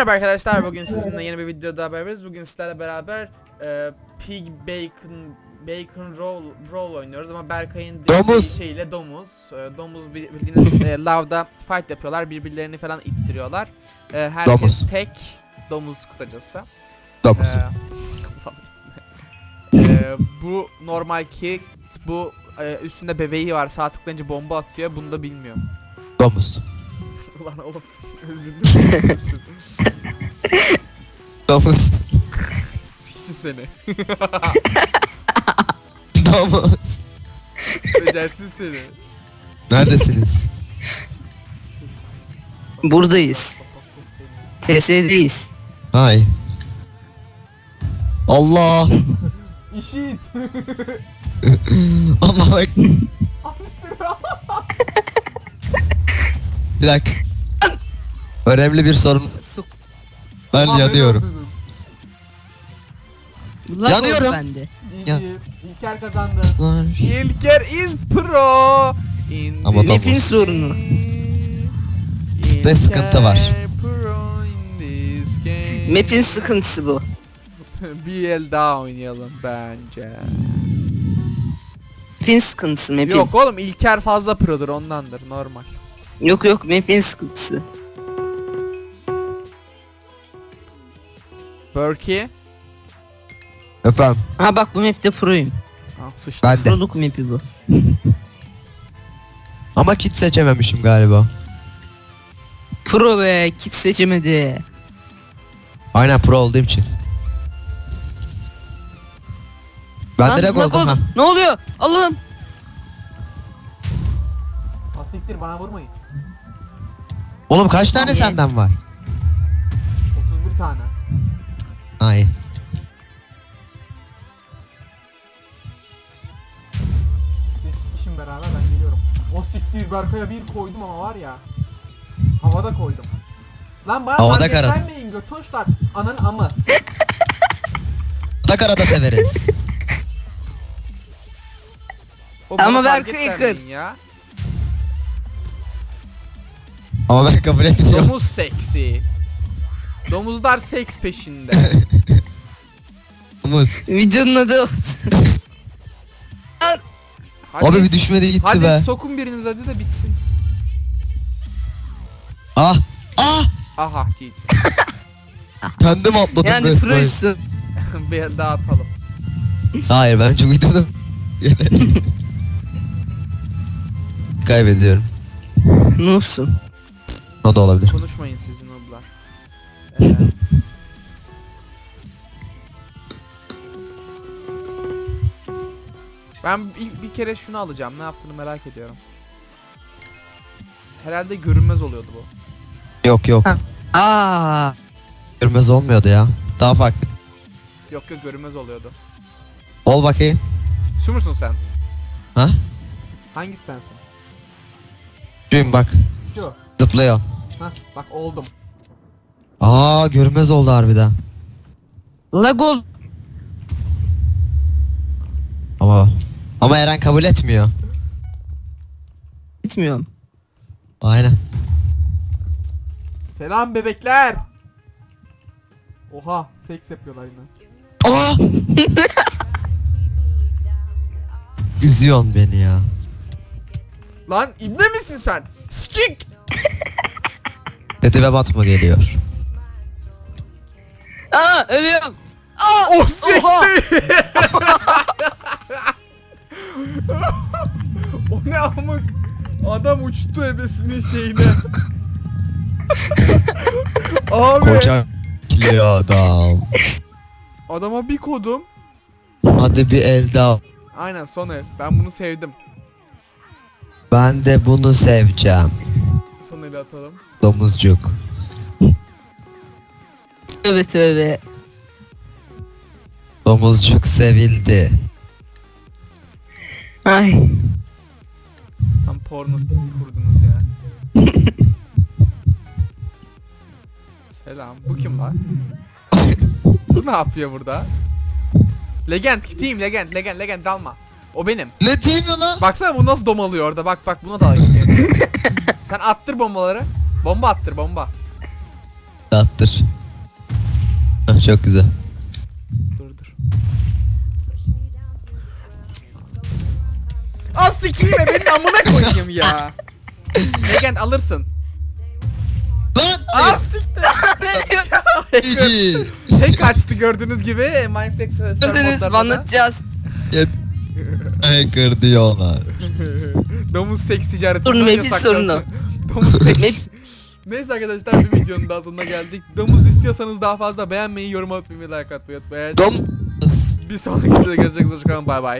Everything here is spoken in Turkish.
Merhaba arkadaşlar, bugün sizinle yeni bir videoda beraberiz. Bugün sizlerle beraber Pig Bacon Roll oynuyoruz ama Berkay'ın Domuz. şeyiyle domuz bildiğiniz lavda fight yapıyorlar, birbirlerini falan ittiriyorlar. Herkes Domuz. tek domuz kısacası. Domuz. Bu normal ki bu üstünde bebeği var, sağ tıklayınca bomba atıyor, bunu da bilmiyorum. Domuz. Ulan oğlum, özür dilerim. Domuz. Siksin seni. Domuz. Becersiz seni. Neredesiniz? Buradayız. TS'deyiz. Hay. Allah. İşit. Allah bak. Bir dakika. Önemli bir sorun. Ben yanıyorum. Yanıyorum. Bende. Ya. İlker kazandı. Lan. İlker is pro. In Ama this Map'in game. sorunu. Ne sıkıntı var? İlker pro in this game. Map'in sıkıntısı bu. Bir el daha oynayalım bence. Map'in sıkıntısı map'in. Yok oğlum, İlker fazla produr, ondandır, normal. Yok map'in sıkıntısı. Berkey. Efendim. Ha bak bu map'te pro'yum. Ah, sıçtı. Ben de. Proluk map'i bu. Ama kit seçememişim galiba. Pro ve kit seçemedi. Aynen pro olduğum için. Ben Lan, direkt bak oldum ha. oğlum, ne oluyor? Allah'ım. Asiktir, bana vurmayın. Oğlum kaç tane Niye? senden var? 31 tane. Ay. Biz işim beraber, ben geliyorum. O siktir, Berkay'a bir koydum ama var ya. Havada koydum. Lan bana Havada market karat. vermeyin götoşlar. Ananın amı. Takarada severiz. O Ama bana Berkay market kır. vermeyin ya. Ama ben kabul etmiyorum. Domuz seksi. Domuzlar seks peşinde. Domuz. Videonun adı olsun. Hadi, Abi bir düşmedi gitti hadi be. sokun biriniz hadi de bitsin. Ah. Ah. Aha GG. Kendim atladım Yani resmen. pro'ysun. Bir daha atalım. Hayır ben çok uydurdum. Kaybediyorum. Noob'sun. O da olabilir. Konuşmayın sizin oblar. Ben ilk bir kere şunu alacağım. Ne yaptığını merak ediyorum. Herhalde görünmez oluyordu bu. Yok yok. Ha. Aa. Görmez olmuyordu ya. Daha farklı. Yok görünmez oluyordu. Ol bakayım. Şu musun sen? Ha? Hangisi sensin? Şuyum bak. Şu. Zıplıyor. Hah bak oldum. Aa görmez oldu harbiden. Lag ol. Ama Eren kabul etmiyor. Gitmiyorum. Aynen. Selam bebekler. Oha, seks yapıyorlar yine. Aa! Üzüyorsun beni ya. Lan ibne misin sen? Skik. Dedi ve Batma geliyor. Aa ölüyorum. Aa. Oh sekti. O ne amık. Adam uçtu ebesinin şeyine. Abi. Koca kiliyor adam. Adama bir kodum. Hadi bir el daha. Aynen, son el. Ben bunu sevdim. Ben de bunu seveceğim. Son eli atalım. Domuzcuk. Tövbe tövbe. Domuzcuk sevildi. Ay. Tam porno sitesi kurdunuz ya. Selam. Bu kim lan? Bu ne yapıyor burada? Legend, team legend dalma. O benim. Ne diyeyim ya lan? Baksana bu nasıl domalıyor orada. Bak buna da gidiyor. Sen attır bombaları. Bomba attır bomba. Attır. Ah, çok güzel. Dur. Az sikiyim be benim amına koyayım ya. Legend alırsın. Lan! Az siktir. GG. Hack açtı gördüğünüz gibi Mineplex Gördünüz mü, anlatacağız. Hacker diyorlar. Domuz seks ticareti. Sorun, map'in sorunu. Domuz seks. Map- Neyse arkadaşlar bir videonun daha sonuna geldik. Domuz istiyorsanız daha fazla beğenmeyi, yorum atmayı ve like atmayı unutmayın. Domuz. Bir sonraki videoda görüşmek üzere. Bay bay.